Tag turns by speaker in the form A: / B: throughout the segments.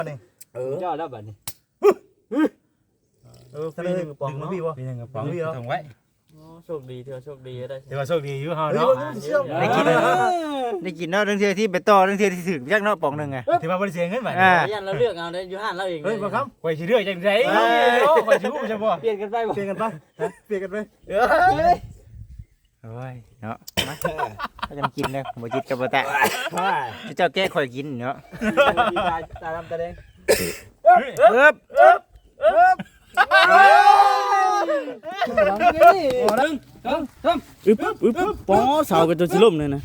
A: เจ้าแล้วบัดนี้
B: ปีนึงกระป๋องเนาะปีนึงกระป๋องถุงไว้
A: โชคดีเถอะโชคดีได้
B: ถือว่าโชคดีอยู่เฮาเนาะ
C: ได้กินเนาะทั้งเที่ยที่ไปต่อทั้งเที่ยที่ถึงจักเนาะปองนึงไง
B: ถือว่าบ่ได้เสียเงินบัด
A: ยันเราเลือกเอาได้อยู่ห้านเราเอง
B: เฮ้ยบ่ครับข่อยสิเลือกจังได๋ข่อยสิฮู้ใช่บ่
A: เปลี่ยนกันไปบ่
B: เปลี่ยนกันไปเปลี่ยนกันไป
C: โอ้ยเนาะมาก็จะกินเลยบ่จิตกับบ่แตะเจ้าแก้ข่อยกินเนาะ
A: ตาดำตาแดง
D: ป๋อเสากันจนสิล่มเลยนะ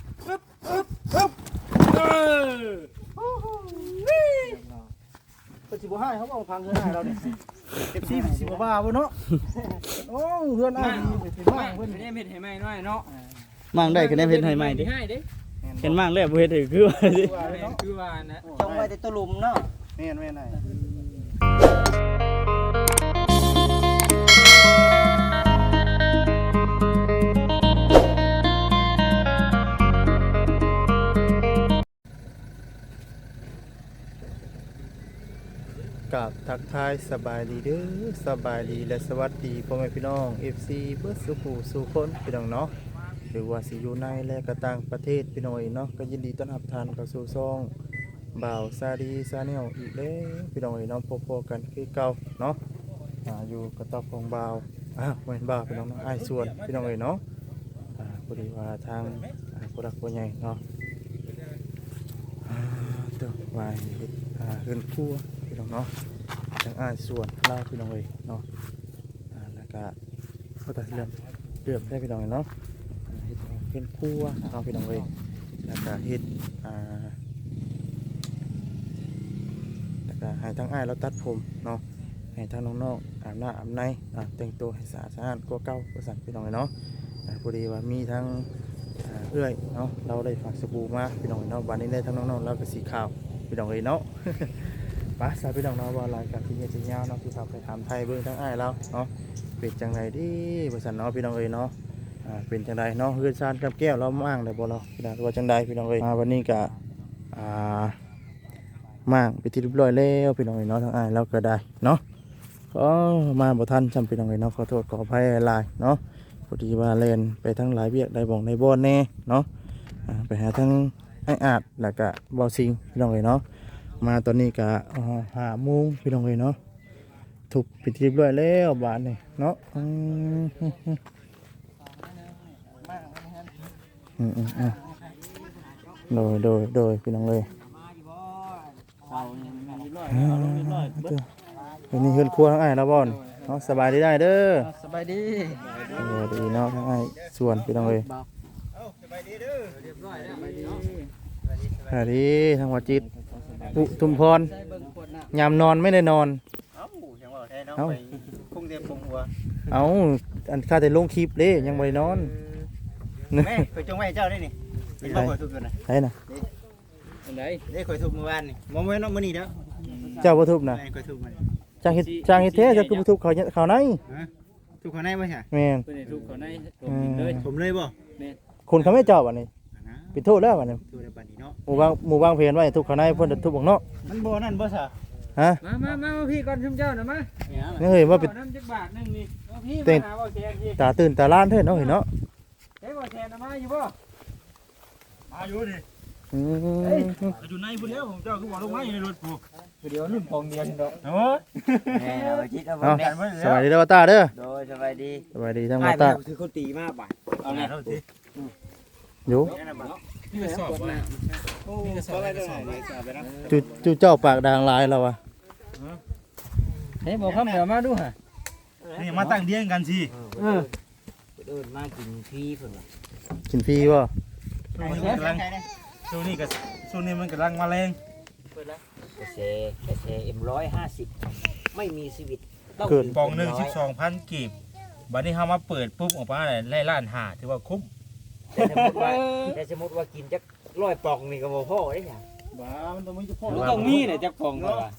B: ก็สิบ่ให้เขาเอาพังเฮือนให้เราเนี่ยFC สิบ่ว่าบ่เนาะโอ้เฮือนอ้ายสิว่าเพิ่น
A: ได้เฮ็ดให้ใหม่น้อยเนาะ
D: มั่งได้ก็ได้เฮ็ดให้ใหม่ดิเห็นมั่งแล้วบ่เฮ็ดให้คือว่าสิ
A: คือว่านะ
C: จงไว้แต่ตะลุมเนาะ
B: แม่นๆน่ะกับทักทายสบายดีเด้อสบายดีและสวัสดีพ่อแม่พี่น้อง FC เพื่อสุขสู่คนพี่น้องเนาะหรือว่าสิอยู่ในและก็ต่างประเทศพี่น้องเนาะก็ยินดีต้อนรับท่านเข้าสู่ช่องบ่าวซาดีซาแนลอีกแล้วพี่น้องเนาะพบกันคือเก่าเนาะอยู่กับตอบของบ่าวเหมือนบ่าวพี่น้องเนาะอ้ายส่วนพี่น้องเนาะพอดีว่าทางผู้รักผู้ใหญ่เนาะตัววายเฮือนครัวพี่น้องเนาะทางอ้ายส่วนเล่าพี่น้องเนาะแล้วก็เขาตัดเรื่องได้พี่น้องเนาะเฮ็ดเฮือนครัวเอาพี่น้องแล้วก็เฮ็ดแล้วก็ให้ทางอ้ายเราตัดผมเนาะให้ทางน้องๆอาบน้ำอาบในแต่งตัวให้สะอาดกว่าเก่าว่าซั่นพี่น้องเนาะพอดีว่ามีทั้งเอื้อยเนาะเราได้ฝากสบู่มาพี่น้องเนาะวันนี้ได้ทั้งน้องๆแล้วก็สีขาวพี่น้องเนาะป้าสาวพี่น้องเนาะว่ารายการที่เงี้ยจะยาวเนาะที่เขาไปถามไทยเบื้องทั้งอ้ายเราเนาะเป็นจังไรดีบริษัทเนาะพี่น้องเนาะเป็นจังไรเนาะเฮือนซานกับแก้วเรามั่งได้บ่เราพี่น้องว่าจังไรพี่น้องมาวันนี้ก็มั่งไปที่เรียบร้อยแล้วพี่น้องเนาะทั้งอ้ายเราก็ได้เนาะก็มาบ่ทันจำพี่น้องเนาะขอโทษขออภัยหลายเนาะพอดีว่าเล่นไปทั้งหลายเวียกได้บ่องได้บ่อนแน่เนาะไปหาทั้งไอ้อาดแล้วก็บ่าวซิงพี่น้องเนาะมาตอนนี้ก็5 โมงพี่น้องเนาะถูกปิดเรียบร้อยแล้วบ้านนี่เนาะโดยพี่น้องวันนี้เฮือนครัวทั้งอ้ายแล้วบ่อนเนาะสบายดีได้เด้อ
A: สบายดี
C: ดีเนาะทั้งอ้ายส่วนพี่น้อง
B: สบายดีเด้อเรียบร้อยแล้วสบายดี
C: สวัสดีทางวัดจิตทุมพรยามนอนไม่ได้นอน
B: พุ่งเต็มพุ่งหัว
C: อันข้าแต่ลงคลิปเด้ยังไม่ได้นอน
B: แม่เคยจงไว้เจ้าได้นี่เป็นบ่ทุบอยู่นะ
C: ใช่น่ะ
A: อันไหน
B: ได้เคยทุบเมื่อวานนี่บ่แม่นมื้อนี้เด้อ
C: เจ้าบ่ทุบน่ะ
B: เคยทุบมัน
C: จ้างเฮ็ดแท้เจ้าคือบ่ทุบเขาใน
B: ทุบเขาในบ่ใช่
C: แม่น
A: เพิ่นให้ทุบเขาใน
B: ผมเลยบ่
A: แม่น
C: คนเขาไม่เจ้าบัดนี้ปิดโทษแล้วบัดนี้
B: ทุบได้บัดนี้เนาะ
C: หมู่บางเพนไว้ทุบเขาในเพิ่นทุบข้างนอก
B: มันบ่นั่นบ่ซะ
C: ฮะ
A: มาพี่ก่อนชุมเจ้าน่ะมา
C: เฮ้ยว่าเป็น
A: น้ำจักบาทนึงนี่พี่มาหาบ่แซนพี่
C: ตาตื่นตาล้านเด้อเนาะเห็นเนาะ
A: เฮ้ยบ่แซนมาอยู่บ่
B: มาอยู่ดิอยู่ในพุ่นแล้วผมเจ้าคือบ่ลงมาอยู่ในรถกู
A: เดี๋ยวนุ่นพองเดียวเนาะ
B: โอ้ย
A: แหมเอาจิตเอาบ่
C: เนี่ยสวัสดีเด้อตาเด้อ
A: โดยสบายดี
C: ทั้งตา
A: คือเขาตีมาบาดเอาแน่เอาสิ
C: อยู่
B: นี่ก็สอบว่าโอ้อะไรเด้อ
C: จู่เจ้าปากด่างลายแล้ววะ
A: เฮ้ยบอกคำเดี๋ยวมาดูฮะ
B: นี่มาตั้งเลี้ยงกันสิ
A: เดินมากินฟรีเพิ่นว่ะ
C: กินฟรีบ่
B: ช่วงนี้มันกำลังมาแรง
A: กระเซM150ไม่มีชีวิต
C: เกิด
B: ปองนึง 12,000 กีบบัดนี้เฮามาเปิดปุ๊บออกมาได้ล้านห้าถือว่าคุ้ม
A: แต่สมมุติว่ากินจัก100ปองนี่ก็บ่พอเด้หยัง
B: บ้ามันต้องมีเฉพาะ
A: ต้องมีน่ะจักปองก็ว่า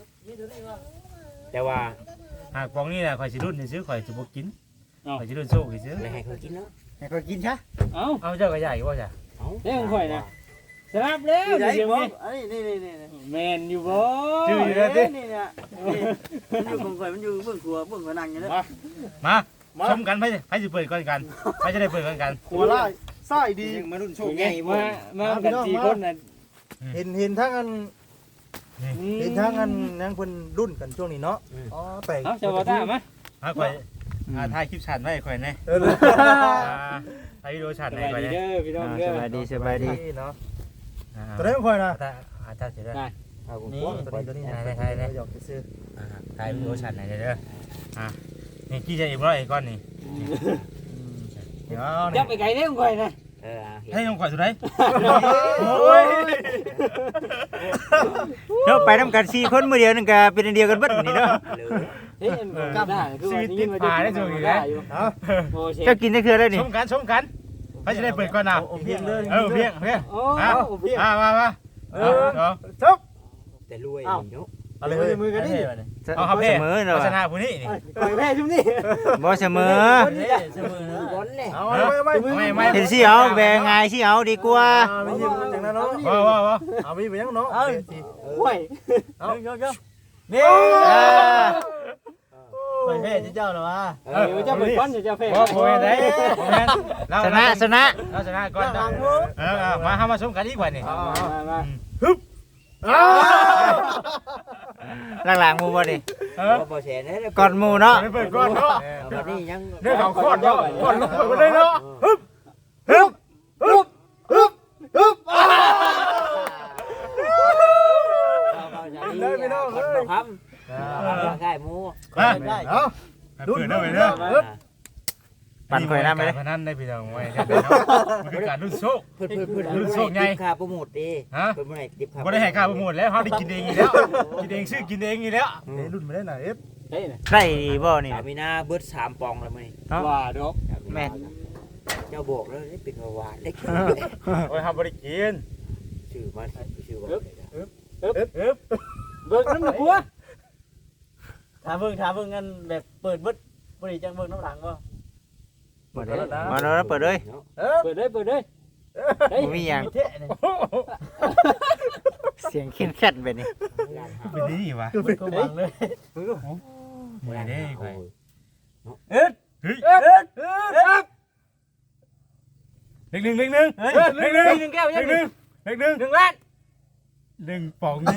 A: แต่ว่า
B: หากปองนี่น่ะข่อยสิรุ่นซื้อข่อยสิบ่กินข่อยสิรุ่นโซ่ซื้อ
A: ไม่ให้ข่อยกินเนาะ
B: ให้ข่อยกินซะ
A: เอา
B: เจ้าก็ใหญ่บ่จ้ะ
A: เด้ของข่อยนะ
D: สลับแล้ว
B: ไหน
D: เดี๋ยว
B: บ่
D: นี้
B: อันนี้นี่
D: แม่นอยู่บ่
C: ชื่ออยู่แล้วติ
B: นี่เนี่ยมันอยู่ของข่อยมันอยู่เบื้องครัวเบื้องผนังอยู่เนี่ย
C: มาชมกันไผสิเปิดก่อนกันไผจะได้เปิดก่อนกัน
B: หัวไล่ไส้ดี
A: ยังมารุ่นโช
D: โอ
A: ค
D: เค
A: ใหญ่บ่
D: มากัน4คนน่ะ
B: เห็นทั้งอันเห็นทั้งอันยังเพิ่นรุ่นกันช่วงนี้เนาะอ๋อแปลก
D: เอ้าเจ้าบ่ตามมา
C: ข่อยถ่ายคลิปชันไว้ข่อยแน่
B: เออ
C: ถ่ายวิดีโอชัน
D: ส
C: ให้
D: บาย
C: ข่อย
D: ดี
C: แน่
D: เด้อพี่น้องเด้อ
C: สบายดีสบายดี
B: เนาะตัวนี้ของข่อยนะ
C: อาจารย์สิได้
A: เอาผม
B: นี่
A: กลัว
B: ตัวนี้
C: ได้
B: หยอกซื้อ
C: ถ่ายวิดีโอชันให้เด้อนี่กี่จะอีกร้อยก้อนนี่เดี๋ยว
D: จั
C: นี่
D: บไปไกลเด้อของข่อยนะ
A: เห็น
C: ให้น้องข่อยสุดไหนโอ้ยเนาะไปนำกัน4คนมื้อเดียวนึงก็เป็นอันเดียวกันเบิดนี่เนาะ
A: เลย
D: เฮ้ยกลับได้คือว่านี่มันจะอยู่
B: เอา
D: โอ้เช
C: จะ
D: ฟ
C: กินได้คือได้นี่ชมกันไผจะได้เปิดก่อนน่ะ
B: เพียงเลย
C: เพียง
D: โอ้
C: มาจบ
A: แต่รวยเนาะ
B: เอาเลย
D: มือกันดิ
C: เอาครับเพ่เอาชนะผู้นี้นี่
D: ข่อยแพ้ชุมนี่
C: บ่เสมอ
A: บอลเนี่ย
B: เอาไม่
C: เห็นสิเอาแบ่งไงสิเอาดีกว่า
B: ไม่ยิงอย่างนั้นเนาะ
C: ว้าว
B: เอาไปยังเนาะ
D: โอ้ย
B: เอาเยอะ
C: นี่
B: ไปแพ้เจ้าหรอวะ
D: จะเป็นก้อนจะแพ้
C: บ่บ่ได้ชนะเราชนะก่อนมาเฮามาชมกันดีกว่านี่
D: มา
C: หลังๆหมู่บ่นี่
A: บ่แชร์นะ
C: ก่อนหมู่เนาะ
B: ไปเปิดก่อนเนาะ
A: บัดนี้ยัง
B: เรื่องของก่อนเนาะก่อนลงไปเลยเนาะ
A: เลยพี่น้องเอ้ยครับง่ายหมู
B: ได้เอา
C: เปิดได้ไปเด้อปั่นข่อยน้ำไปเลยพนันได้พี่น้องไว้มันคือการรุ่นโชค
A: เพิ่นค่าโปรโมทดิเพิ่นบ่ได้ดิบค่า
C: บ่ได้ให้ค่าโปรโมทแล้วเฮาได้กินเองอีกแล้วกินเองซื้อกินเองอีกแล้ว
B: รุ่นไม่ได้ไหนเอฟ
D: เฮ้ย
C: ได้บ่นี่
A: มีนาเบิด3ปองแล้วมื้อนี้
D: ว่าดอก
C: แม่
A: เจ้าบอกแล้วเป็นหวานได้กิน
C: โอ้ยเฮาบ่ได้กิน
A: ชื่อมาชื่อว่า
D: เบิกน้ำหนักหัว
E: ถามเบิ่งกันแบบเปิดบึดบริจังเบิ่งน้ำหลังบ่
C: มาเนาะเปิดเลย
D: เปิดเลยเฮ้ย
C: มีหยัง
E: มีเทะนี่
C: เสียงเข้มแข็งแบบนี้เป็นนี่วะ
E: มันก็หวังเลย
C: ไม่ได้ไป
E: เอ็ด
C: เฮ้ย
E: เอ็ด
C: หนึ่งแก้วยังหนึ่งล้าน1 ป๋อง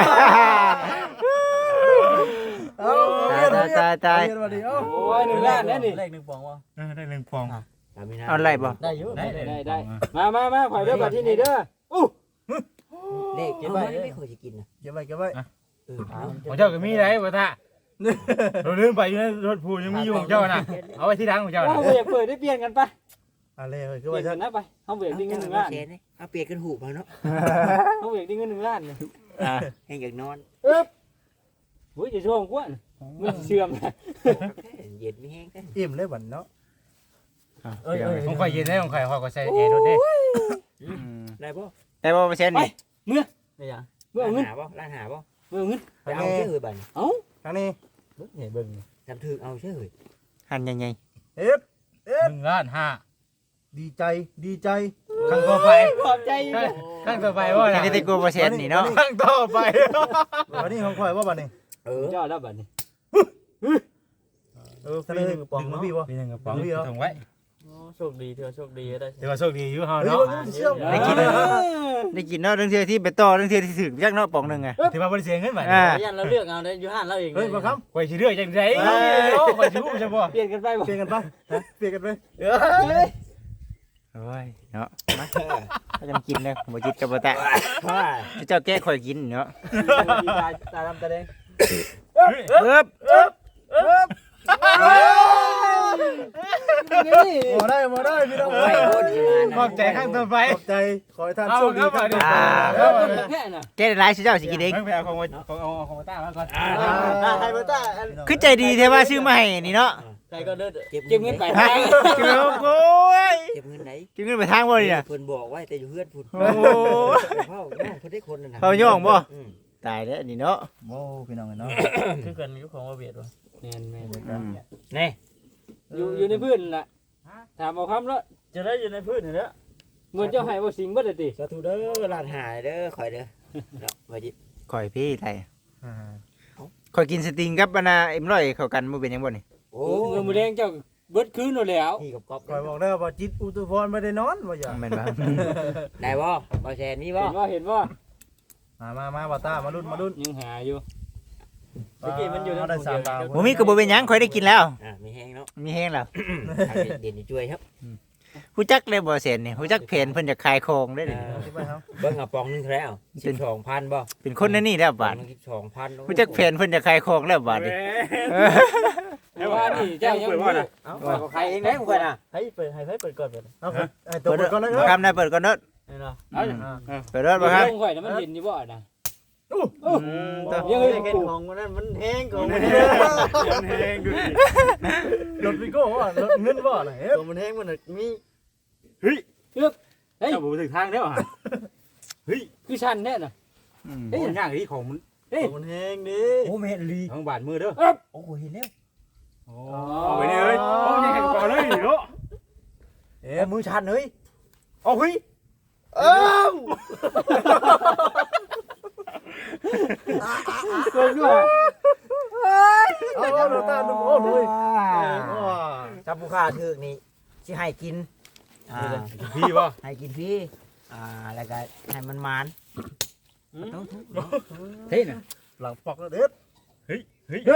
C: ตาย
D: โอ้ย1 ล้านแล้วนี่
E: เลข1ปองบ่
C: ได้1 ป๋อง
A: มีนา
C: เอาไรบ่
E: ได้อยู่
D: ได้มาข่อยเด้อบัดที่นี่เด้อ
A: เลขมันไม่ค่อยสิกินนะ
B: เก็บไว้เก็บไว้
C: ของเจ้าก็มีไรบ่ท่าเราลืมไปอยู่ในรถพูยังมีอยู่ของเจ้าน่ะเอาไว้ที่ดังของเจ้า
D: เฮาอยากเปิดได้เปลี่ยนกันปะ
B: อะไรเฮ้ย
D: เป
B: ก็
D: ลี่ย
B: ว่าน จะ
D: กันนะไปเฮาเบิกได้เงิน1 ล้าน
A: เอาเปียกกันหูมาเนาะ
D: เฮาเบิกได้เงิน1 ล้านนี่
A: ให้อยากนอน
D: โอ้ยจะช่วงกว่ามันเชื่อมนะ
A: เย็นไม่แห้งกัน
B: อิ่มเลยบันเนาะ
C: ของข่อยเย็นได้ของข่อยก็ใส่แอร์รถเด้
A: ได้ป่ะ
C: ได้บ่เปอร์เซ็นต์นี่
E: ได้ยัง
D: เมื่อเอาเงิน
A: หาป่ะร้านหาป่ะ
D: เมื่อเอาเงิน
A: ไปเอาเชื่อเลยบัน
B: ทางนี้
E: เห็นเบิ่ง
A: ทำถึงเอาเชื่อเลย
C: หันใหญ่
B: เอฟ
C: 1 ล้าน 5
B: ดีใจ
C: ครั้งต่อไป
D: ขอบใจ
C: ครั้งต่อไปว่าจะได้กลัวเปอร์เซ็นต์นี่เนาะครั้งต่อไป
B: วันนี้ของข่อยว่าบันนี้
D: ยอดแล้วบัดนี้
B: ทะเลปองมาพี่วะ
C: มี1 กระป๋องถุงไว้
E: โชคดีเถอะโชคดีได้
C: ถือว่าโชคดีอยู่เฮา
B: เฮ้ย
C: เนาะ
B: มันเชื่อม
C: ได้กินเนาะเรื่องเทื่อที่ไปต่อเรื่องเทื่อที่ถึกจักเนาะป๋องนึงอ่ะถือว่าบ่ได้เสียเงินบัด
E: ยันเราเลือกเอาได้อยู่ห้านเราเอง
B: เฮ้ยมาครับ
C: ข่อยสิเลือกจังได๋ข่อยสิรู้จังบ่
D: เปลี่ยนกันไปบ่
B: เปลี่ยนกันไปเปลี่ยนกันไป
C: โอ้ยเนาะมาถ้าจะกินเลยบ่จิตกับบ่แตะเจ้าแก้ข่อยกินเนาะ
E: ตาดำตาแดง
C: ปึ๊บ
B: มาได้พี่น้อง
A: ไปโคตรมา
C: ขอบใจครั้งต่อไป
B: ขอบใจขอให้ท่านโชคดีครับ
D: แค่น่ะ
C: แก้ได้หลายสิเจ้าสิกินเองไปเอาของของต้ามาก่อน
E: ไทยเบอร์ต้า
C: คือใจดีแท้ว่าซื้อมาให้นี่เนาะ
E: ใครก็เด้อ
A: เก็บ
D: เก็บเงินไป
C: เก็บโอ้ย
A: เก็บเงินไหน
C: เก็บเงินไปทางบ่นี่น่ะ
A: เพิ่นบอกไว้แต่อยู่เพื่อนพุ่น
C: โอ้
A: เฝ้าน้องเพิ่นได้คนนั่นน่ะ
C: เขาย่องบ่ตายแล้วนี่เนาะ
B: โอ้พี่น้องเนาะ
E: คือกันอยู่ของว่าเบียดวะ
D: แม่น
A: นี่
D: อยู่ในพื้นน่ะถามเอาคำแล้ว
E: จะได้อยู่ในพื้นนี่แหละเหมือนเจ้าให้บ่สิงเบิดเลยติ
A: สาธุเด้อล้านหาเด้อข่อยเด้อเนาะบ่จิต
C: ข่อยพี่ไทยข่อยกินสติงกับบานาเอ็มร้อยเข้ากันบ่เป็นหยังบ่นี่
A: โอ้
E: เงินมื้อแดงเจ้าเบิดคืนแล้ว
A: พี่กับก๊อฟ
B: คอยบอกได้ว่าจิตอุตุพรไม่ได้นอนว่าอย่า
C: แม่นบ่
A: ได้บ่บ่แซนมีบ่
E: เห็นบ่
B: มาบ่ตามารุ่น
E: ยังหาอยู่เมื่อกี้มันอยู่
B: ได้3ดาว
C: บ่มีก็บ่เป็นหยังข่อยได้กินแล้ว
A: มีแห้งเนาะ
C: มีแฮงแล้ว
A: เด่นช่วยครับ
C: ฮู้จักเลยบ่เซนนี่ฮู้จักเพนเพิ่นจะขายของได้นี่
A: เบิ่งเอาปองนึงเท่าไหร่เอา12,000บ่
C: เป็นคนในนี่แล้วบาด
A: 12,000
C: ฮู้จักเพนเพิ่นจะขายของแล้วบาดนี่
E: แต่ว่านี่เจ้ายังบ่
A: เอ้าก็ใครเองได้ของข่อยน่ะ
E: ให้เปิดก่อนเปิด
B: เอาไอ้ตัวเปิดก่อนเลย
C: บ่คำได้เปิดก่อนเด้อ
E: นี่เนาะ
C: เปิดเด้อบ่ครับ
E: ลงข่อยน่ะมันเห็นอยู่บ่น่ะ
C: ต่อ
E: ยัง
B: เห็นของมันนั่นมันแห้งของมัน
D: แห้งดูดิ
B: รถวิโก้ว่ารถเงินบ่น่ะเฮ้ยมันแห้งมันมี
D: เฮ้ย
E: เฮ้ย
D: เจ้าบ่ถึงทางแล้วฮะ
E: คือชันแน่น่ะ
D: เฮ้ยย่างที่ของมัน
B: มันแห้งดิ
A: โอ้แม่นลี
D: ทางบาดมือเด้อ
A: โอ้เห็นแล้ว
D: โอ้เอาไปนี่เอ้ยโอ้ยังแข่งก่อนเลยเนาะ
A: มือชันเฮ้ย
D: เอาเฮ้ย
E: เกินด้วย
B: เอาดูตาดูโอ้โห
A: จับผู้ค้าถึกนี่สิให้กิน
D: พี่บ่
A: ให้กินฟรีแล้วก็ให้มันมาน
E: เฮ้ยน่ะ
B: หลังปอกแล้วเด็ด
D: เฮ้ย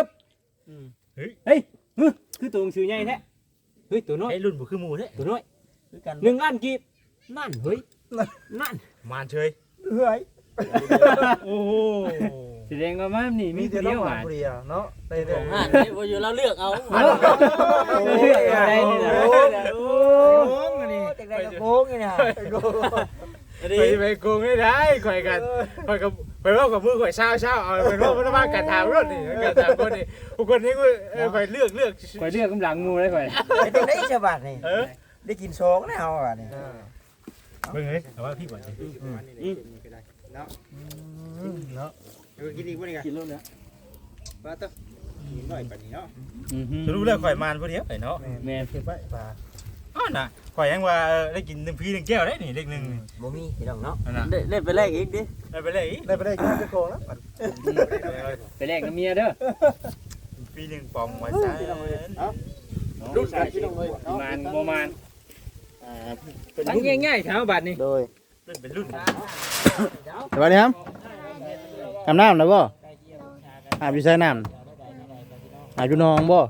E: คือตัวชื่อใหญ่แท้เฮ้ยตัวน้อย
D: ไอ้รุ่นบ่คือหมู่แท้
E: ตัวน้อย
A: คือกัน
E: 1ล้านกีบ
A: นั่นเฮ้ยนั่น
D: มานเฉย
B: เฮ้ย
D: โอ้โห
E: แสดงว่ามันนี่มี
B: มีแต่
E: เดี
B: น้
E: ย
B: อง
E: ว
B: หวา
E: อ่ะ
B: นเปรี้ยวเนาะได้เด้อ
E: นี่บ่อยู่เราเลือกเอาได้นี่นะ
A: โอ้ยจังได๋ก็โกงนี่น่ะ
D: ไปโกงไม่ได้ข่อยกันข่อยกับไปเว้ากับมือข่อยเช้าเอาไปเว้ามันว่าการถามรถนี่การถามคนนี่ผู้คนนี้กูข่อยเลือก
E: ข่อยเลือกกำลังงูเลยข่อย
A: ไอ้จังได๋ฉบับนี่ได้กินโชกแล้วเฮาอ่ะนี่
D: เบิ่งเฮ้ยเอาว่าพี่ก่อนสิ
B: เนาะ
D: กินอีกบ่นี่กัน
E: กินแล้วเนี่ย
D: ว่าตะกินหน่อยปานนี้เนาะ
E: จะ
D: รู้แล้วข่อยมานผู้เดียวไอ้เนาะ
E: แม่
B: เก็บไว้ปลา
D: อ้อน่ะข่อยยังว่าได้กิน1 1แก้วได้นี่เลข1นี่
A: บ่มีพี่น้องเนาะ
D: นั่นน่ะ
E: เล่นไปแรกอีกดิ
D: ได้ไปเลยอีก
B: ได้ไปได้กินจะโกงแล้ว
E: ไปแรกกับเมียเด้อ
D: ปีหนึ่งปองไว้ซะ
E: รุ่นกันพี่น้องเลยมานบ่มานตั้งง่ายๆถามบัดนี่
B: โดย
D: เป็นรุ่น
B: สวัสดีครับอาบน้ำแล้วบ่อาบอยู่ใส่น้ำอาบอยู่หนองบ่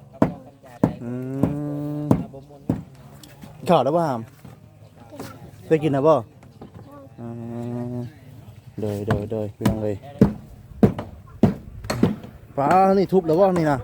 B: ข้าวแล้วบ่หามได้กินแล้วบ่เดยพี่น้องเลยป้านี่ทุบแล้วบ่นี่นะ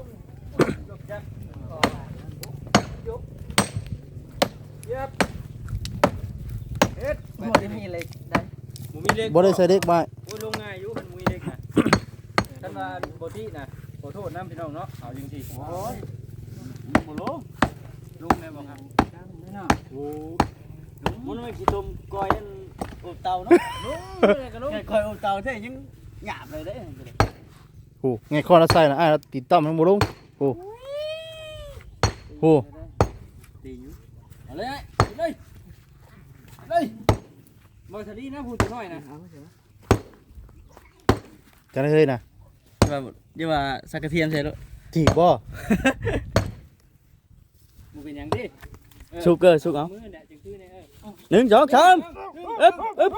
E: บ่ได้มีอะไรได้บ่มีเล็ก
B: บ่ได้ใส่เด็กบ่
E: โอ้ยลงง่ายอยู่มันมีเล็กนะท่านว่าบ่ที่นะขอโทษนำพี่น้องเนาะเอาจริงๆโอ้ยบ่ลงแม่บ่ครับโอ้มันไม่สิต้มก้อยอันอบเตาเนาะแค่ก้อยอบเตาแท้ยังหยาบเลยเด้
B: โอ้ไงคอละใส่นะอ้ายติดต่อมันบ่ลงโอ้
E: ตีอยู่เอาเลยเลยบ่ทะลีนะพูดตัวน้อยนะ
B: จะได้เลยนะ
E: อย่าว่าสักกระเทียมใส่แล้ว
B: ถีบบ่
E: บ่เป็นหยังดิ
D: สุกสุกเอา
E: มือเนี่ยจังคือเนี่ย
D: 1 2 3อึ๊บ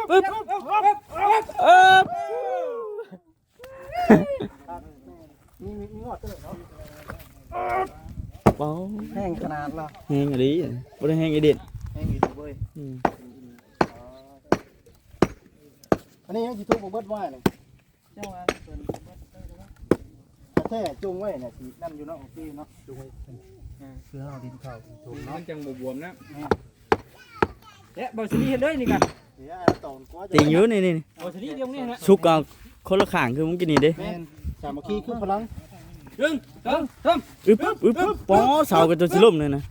D: เบา
B: แห้งขนาดละ
D: แห้งอะไรบ่ได้แห้งไอเด็ด
B: แห้งอยู่เว้ยอันนี้ยังสิทุบบ่เบิดไว้เลยเจ้าว่าเพิ่นแท้จุงไว้เนี่ยสินั่นอยู่เนาะโอเคเนาะจุงไว้คือเฮาดินเข้าถูก
E: มั
B: เนาะ
E: นจังบวมๆนะเอ๊ะบ่สิเห็นเลยนี่กัน
B: เดี๋ยวตอนกว่าจะ
D: ติงอยู่นี่
E: บ่สิเดียวนี่นะ
D: สุกเอาคนละข้างคือมึงกินนี่เด้
B: แม่นสามัคคีคือพลัง
E: 1 2 3
D: อึ๊บปอเสากันจนสิล่มเลยนะ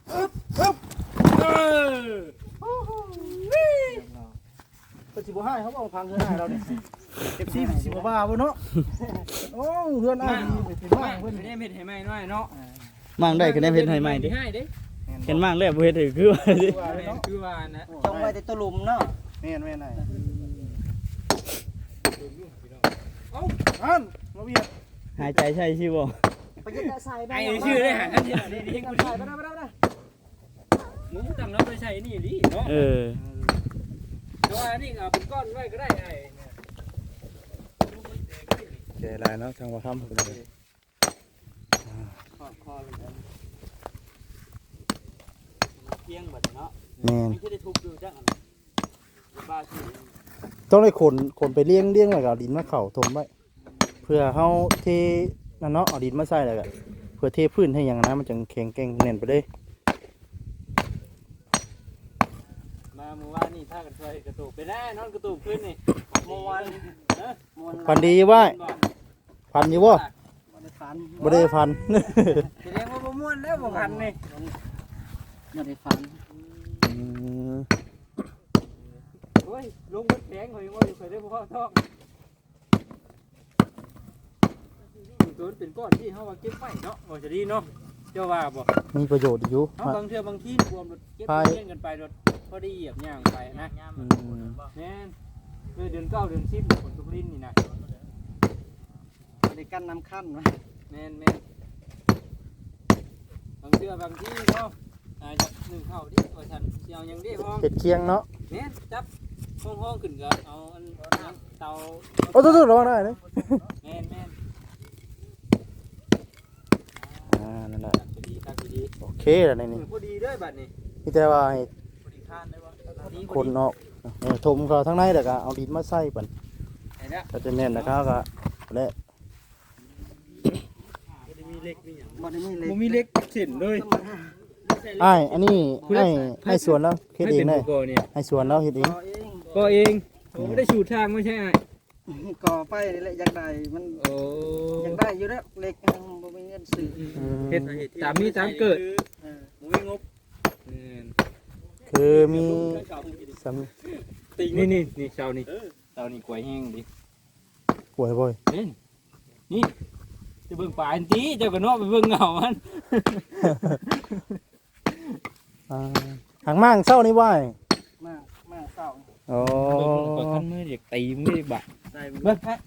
B: เพิ่นสิบ่ให้เขาเอาพังเฮือนให้เราเนี่ย FC สิบ่ว่าบ่เนาะโอ้เฮือนอ้ายนี่เป็น
E: ไม่
B: บ้านเพิ่น
E: ได้เม็ดให้ใหม่น้อยเนาะ
D: มั่งได้ก็ได้เพชรให้ใหม่ดิ
E: ให้เด้
B: แม่น
C: เห็นมากเลยบ่เฮ็ดให้คือว่าสิ
E: คือว่านะ
A: จงไว้แต่ตัวหลุมเนาะ
B: แม่นแม่นได้อันมาเบียด
C: หายใจใช่ชื่อบ่
A: ไปยึดใส่ไป
E: ไอ้ชื่อได้หาอันนี้นี่กู
A: ใส่ไปได้
E: หมูตั้งแล้วไปใส่นี่ดิเนาะ
C: เออ
E: แต่ว่านี่เอาเป็นก้อนไว้ก็ได้ไอ้
B: แก่หลายเนาะทางว่าคำไปเลย
E: คอเลยเพียงบัดเนาะ
B: แม่น
E: ไม่ใช่ได้ทุบดูจังบ้าชื่อ
B: ต้องได้ขนไปเลี้ยงไว้กับดินมาเข้าถมไว้เพื่อเฮาเทนั่นเนาะเอาดินมาใส่แล้วก็เพื่อเทพื้นให้หยังนะมันจังแข็งแกร่งแน่นไปเลย
E: มาเมื่อวานนี่ถ้ากันช่วยกระตุกไปได้นอนกระตุกขึ้นนี่เมื่อวาน
B: ฟันดีไว้ฟันอยู่บ่
A: ฝัน
B: บ่ได้ฟัน
E: แสดงว่าบ่ม่วนแล้วบ่พันนี่
A: ไม่ได้ฝัน
B: อืม
E: โอ้ยลงมันแข็งข่อยบ่ได้ได้บ่เข้าท้องตัวเป็นก้อนที่เฮาว่าเก็บไว้เนาะบ่จะดีเนาะเจ้าว่าบ่
B: มีประโยชน์อยู่
E: เฮาบางเทื่อบางทีรวมรถเก็บเงินกันไปรถพอดีเหยียบย่างไปนะ
B: อืม
E: แม่นเดือน9เดือน10ฝนตกลิ้นนี่นะ
A: ในกั้นน้ำขั้นวะ
E: แม่นบางเทื่อบางทีเนาะจับหนึ่งเข้าดิว่าฉันสิเอาหยังดิพ้อง
B: เฮ็ดเคียงเนาะ
E: แม่นจับห้องขึ้นก็เอาอันเตา
B: โอ้ตุ๊ดๆระวังได้เด้
E: แม่น
B: นั่นแหละ
E: พอดีครับพอดี
B: โอเคแล้วในนี้
E: พอดีเด้อบัดนี้
B: มีแต่ว่าให้
E: พอดีข้านได้บ่พอดี
B: คนออกถมเขาทั้งในแล้วก็เอาดินมาใส่ปั่น
E: ไอ้เนี่ย
B: ก็จะแน่นนะครับก็และ
E: มีเล็กมีหยัง
A: บ่ได้มีเล็ก
E: บ่มีเล็กเส้นเลย
B: อ้ายอันนี้ให้สวนแล้วเฮ็ดเองได้
E: ก่อเนี่ย
B: ให้สวนแล้วเฮ็ดเอง
A: ก่อเอง
E: ก็เองไม่ได้ชูทางไม่ใช่ไอ้
A: ก่อไปนี่แหละอยากได้มัน
E: โอ้
A: อยากได้อยู่แล้วเล็กบ่มีเงินซื้อ
E: เฮ็ดตามมีตามเกิด
A: เออ
E: บ่มีงบ
B: คือมีส
E: นี่เช้านี่กล้วยแห้งดิ
B: ำป่วยบ่อย
E: นี่จะเบิ่งป่าอันตีเจ้าก็เนาะไปเบิ่งเงามัน
B: หางมั่งเศร้านี่ว่า
A: มาเศร้า
B: อ๋อ
E: ก็คันมือเด็กตีมึงได้บะเบิ่งฮะ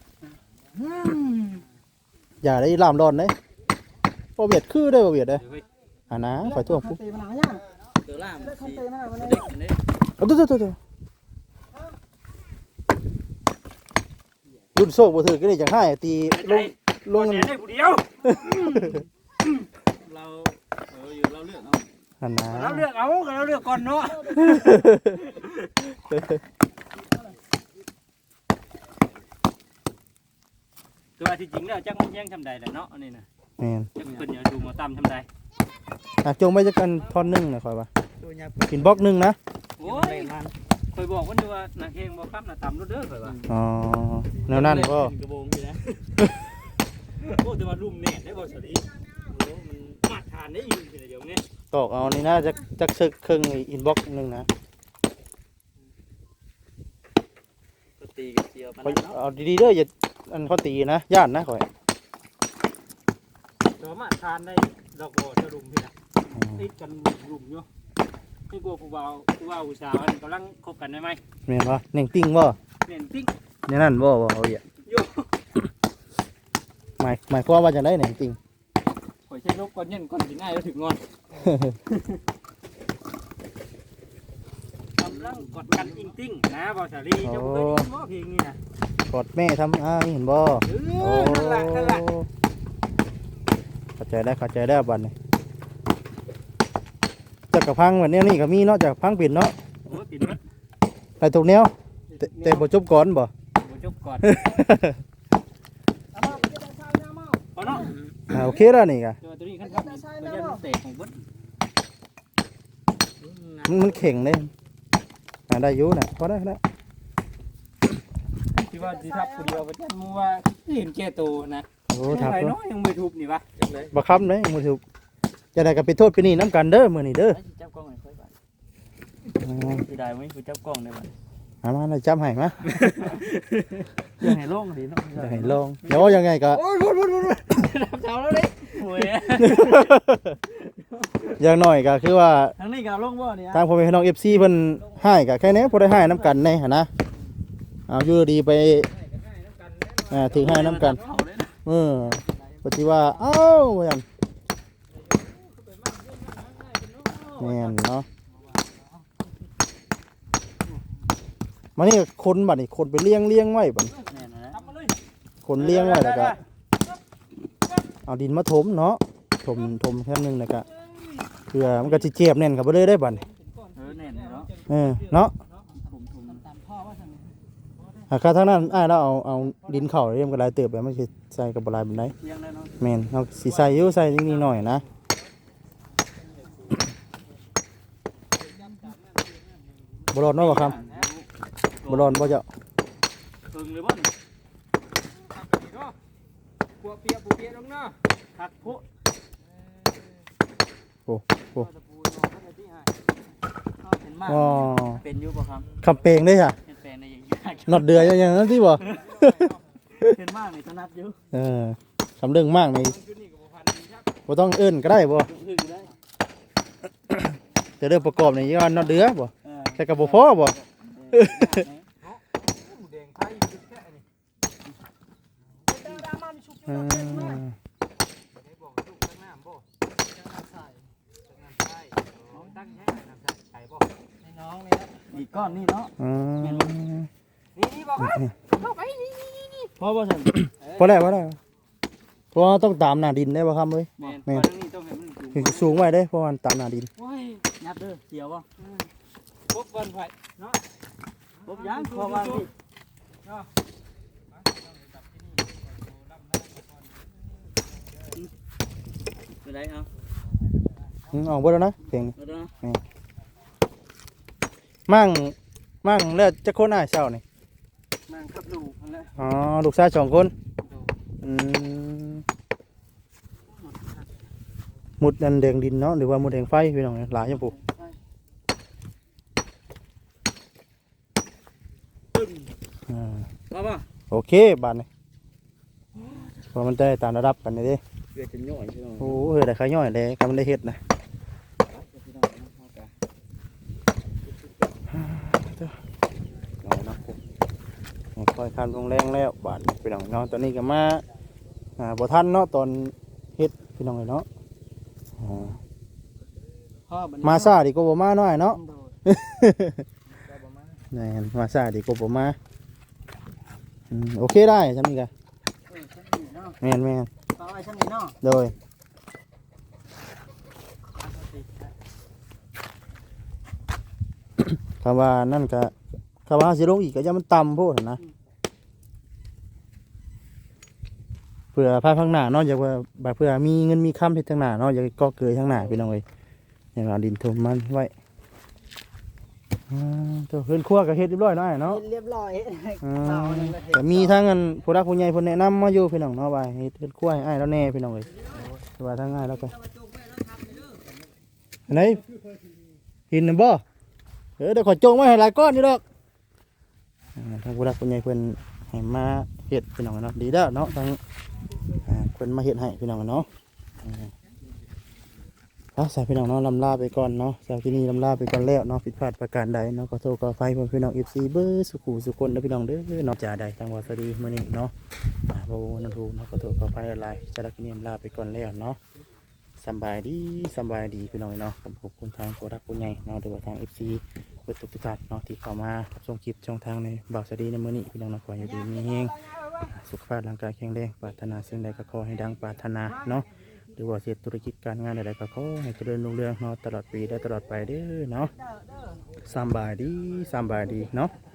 B: อย่าได้ลามร้อนเด้บ่เวียดคือได้บ่เวียดเด้อ่านะขอโทษปุ๊บ
A: ตีมันหาย่าง
E: ตัวล่าม
A: เลิกคันตีมันวันนี้
E: เด็กนี่
B: เอาตุ๊รุ่นโซ่บ่ถือก็ได้จังให้ตีลง
E: ได้ผู้เดียวเราอยู่เราเลือกเอา
B: อันนะ
E: เราเลือกเอาเราเลือกก่อนเนาะตัวที่จริงแล้วจักมันแย่งทำใดแหละเนาะอันนี้นะ
B: แม่น
E: จักเพิ่นอย่าดูหมอตำทำใด
B: จงไว้จักกันท่อนนึงนะค่อยว่ากินบล็อกนึงนะ
E: โอ้ยเคยบอกว่านี่ว่านาเฮงบ่ครับนาตำรถเด้อเคยว่า
B: อ๋อแนวนั้นบ่
E: กระโบงอยู่นะโอ้แต่ว่าลุ่มแน่ได้บ่สลีโอ้มันมาทานได้อยู่เดี๋ยวนี้
B: ตอกเอานี่นะจักซึกครึ่งอินบ็อกซ์นึงนะ
E: ก็ตีกับเสียวมัน
B: ข้อย
E: เนาะ
B: เอาดีๆเด้ออย่าอันเขาตีนะย่านนะข่อย
E: แต่ว่ามาทานได้ดอกบ่จะลุ่มพี่น่ะติดกันลุ่มอยู่นี่กลัวผู้บ่าวผู้สาวอันกำลังคบกันได้ไหม
B: แม่นบ่เน่งติ้งบ่
E: เน่นติ๊ก
B: แนวนั้นบ่เอาอย่า
E: โย
B: หมายความว่าจังได๋เน่งติ้ง
E: ข่อยใช้ลบก่อนเย็นก่อนสิง่ายแล้วถึงงอนกำลังกดกันอิงติ้งนะบ่สาลีเจ้าบ่เคยได้ยินบ่เพลงนี้นะ
B: กดแม่ทำเห็นบ่
E: เออนั่นล่ะนั่นล่ะ
B: เข้าใจได้บัดนี้จักกระพังแบบนี้นี่ก็มีเนาะจักกระพังปิดเนาะ
E: โอ้ปิดมัด
B: ไปตรงแนวแต่บ่จบก่อนบ่
E: บ่จบก่อน
A: เอามาจะได้ใช้น้ำเมา
E: เอาเนาะ
B: โอเคแล้วนี่ก็
E: เดี๋ยวตัวนี้ขั้นครับมันจะเตะของเบิ้ล
B: มันเข่งเลยได้อยู่น่ะพอได้
E: ที่ว่าที่ทับคนเดียวประจันมูว่าเห็นแก่ตัวนะ
B: โอ้ทับ
E: ไร
B: เนาะ
E: น้อยยังไม่ทุบนี่วะจังเลย
B: บ่ค้ำเลยบ่ถูกจะได้ก็ไปโทษไปนี่น้ำกันเด้อมื้อนี้เด้อ
E: จับกล้องหน่อยค่อยบ้านที่ได้ไหมกูจับกล้องได้บ้าน
B: มาเลยจำให้มา
E: ยังให้โล่งดีเนาะ
B: จะให้ลองเดี๋ยวยังไงก็
E: โอ้ยรับเช้าแล้วดิโอ้ย
B: อย่างน้อยก็คือว่า
E: ทางนี้ก็เอาลงบ่เนี่ย
B: ทางพ่อแม่พี่น้อง FC เพิ่นให้ก็แค่นี้บ่ได้ให้น้ำกันแน่หั่นนะเอาอยู่ดีไปถึงให้น้ำกัน
E: เอาเลยนะ
B: ปฏิว่าเอ้าว่าหยังแม่นเนาะมานี่คนบัดนี้คนไปเลี้ยงไว้บัดนี้
E: แน่นอนนะ
B: คนเลี้ยงไว้แล้วก็เอาดินมาถมเนาะถมแค่นึงแล้วก็เพื่อมันก็สิเจ็บแน่นเข้าไปเลยได้บัดนี้
E: แน่นเนาะ
B: เนาะ
E: ผมตามพ่อว่าทางนี้
B: หากทางนั้นอ้ายเราเอาดินเข้าเรียมก็หลายเติบแล้วมันสิใส่กับบ่หลายปานใด
E: เลี้ยงได้เนาะ
B: แม่นเอาสิใส่อยู่ใส่นิดหน่อยนะบ่รอดเนาะบ่ครับบ่รอดบ่เจ้า
E: เพิ่งเลยบ่นี่พวกเปียลงเนาะคักพุ
B: โอ้โอ้
E: ตะปูเนาะเพิ่นที่ให้เห็นมาก
B: อ๋อ
E: เป็นอยู่บ่ครับ
B: คำเปงได้จ้ะ
E: เห็นแปลงในอย่างยาก
B: นอดเดือยอย่างนั้นที่บ่
E: เห็นมากนี่ถนัดอยู่
B: คำเรื่องมากนี่บ่ต้องเอิ้นก็ได้บ่
E: ถึงได้
B: แต่เรื่องประกอบนี่ย้อนนอดเดือบ่
E: เออ
B: แต่ก็บ่พอบ่ อืม
E: อีกก้อนนี่เนาะ
B: อืม
E: เพราะว่าฉัน
B: พอแล้วเพราะว่าต้องตามหน้าดินได้บ่ครับเอ้ย
E: แม่นนี่ต้องให้มันสูง
B: ถึงสูงไว้ได้เพราะว่าตามหน้าดิน
E: โอ้ยยัดเด้อเกี่ยวบ่พบวันไฟเนาะพบยังพอวางที่เป็นไรครับ
B: ออกเบ่แล้วนะเพลงนี้
E: เอาเด้อ
B: มั่งแล้วจะคนอ้ายเช้านี่
E: นั่งขับลูกนั่นแหละ
B: อ๋อลูกชาย2คนอืมหมุดอันแดงดินเนาะหรือว่าหมุดแดงไฟพี่น้องหลายจังปู่
E: มาป่ะ
B: โอเคบาดนี้เพอมันได้ตามระดับกันนี่เด้
E: เกิดจะย่อยใช่ไหม
B: โอ้เฮ้ยได้ขย่อยเลยกำลังได้เฮ็ดนะเอานะผมค่อยคันลงแรงแล้วบาดนี้พี่น้องเนาะตอนนี้ก็มาบ่ทันเนาะตอนเฮ็ดพี่น้องเนาะมาซาดีกว่าบ่มาหน่อยเนาะ นี่นมาซาดีกว่าบ่มาโอเคได้ฉันนี่ก็แม่น
E: ต่อไปชั้นนี้เนาะ
B: โดยคำว่านั่นก็คำว่าสิลงอีกก็จะมันต่ำโพดนะเพื่อภายข้างหน้าเนาะอยากว่าเพื่อมีเงินมีคำเฮ็ดทางหน้าเนาะอยากก็เกยทางหน้าพี่น้องเอ้ยอย่างเอาดินถมมันไว้ตัวเฮือนครัวก็เฮ็ดเรียบร้อยเนาะเนาะ
E: เรียบร้อย
B: แต่มีทั้งอันผู้รักผู้ใหญ่เพิ่นแนะนำมาอยู่พี่น้องเนาะว่าเฮ็ดเฮือนครัวให้อ้ายแล้วแน่พี่น้องเอ้ยแต่ว่าทางอ้ายแล้วก็อันไหนหินน่ะบ่เดี๋ยวขอจงไว้ให้หลายก้อนอยู่ดอกทางผู้รักผู้ใหญ่เพิ่นให้มาเฮ็ดพี่น้องเนาะดีแล้วเนาะทางเพิ่นมาเฮ็ดให้พี่น้องเนาะใส่พี่น้องเนาะลำลาไปก่อนเนาะสาวที่นี่ลำลาไปก่อนแล้วเนาะผิดพลาดประการใดเนาะขอโทษขออภัยพี่น้อง FC เบอร์สุขุสุคนและพี่น้องเด้อเนาะจ่าใดทางวาสดีมื้อนี้เนาะบ่นันทูเนาะขอโทษขออภัยหลายสารบที่นี่ลาไปก่อนแล้วเนาะสบายดีพี่น้องเนาะขอบคุณทางผู้รักผู้ใหญ่เนาะหรือว่าทาง FC เปิดทุกท่านเนาะที่เข้ามาชมคลิปช่องทางในบ่าวสวัสดีในมื้อนี้พี่น้องเนาะขอให้อยู่ดีมีแรงสุขภาพร่างกายแข็งแรงปรารถนาสิ่งใดก็ขอให้ดังปรารถนาเนาะหรือว่าเสียธุรกิจการงานใดๆก็ขอให้เจริญรุ่งเรืองเนาะตลอดปีและตลอดไปเด้อเนาะสำบายดีเนาะ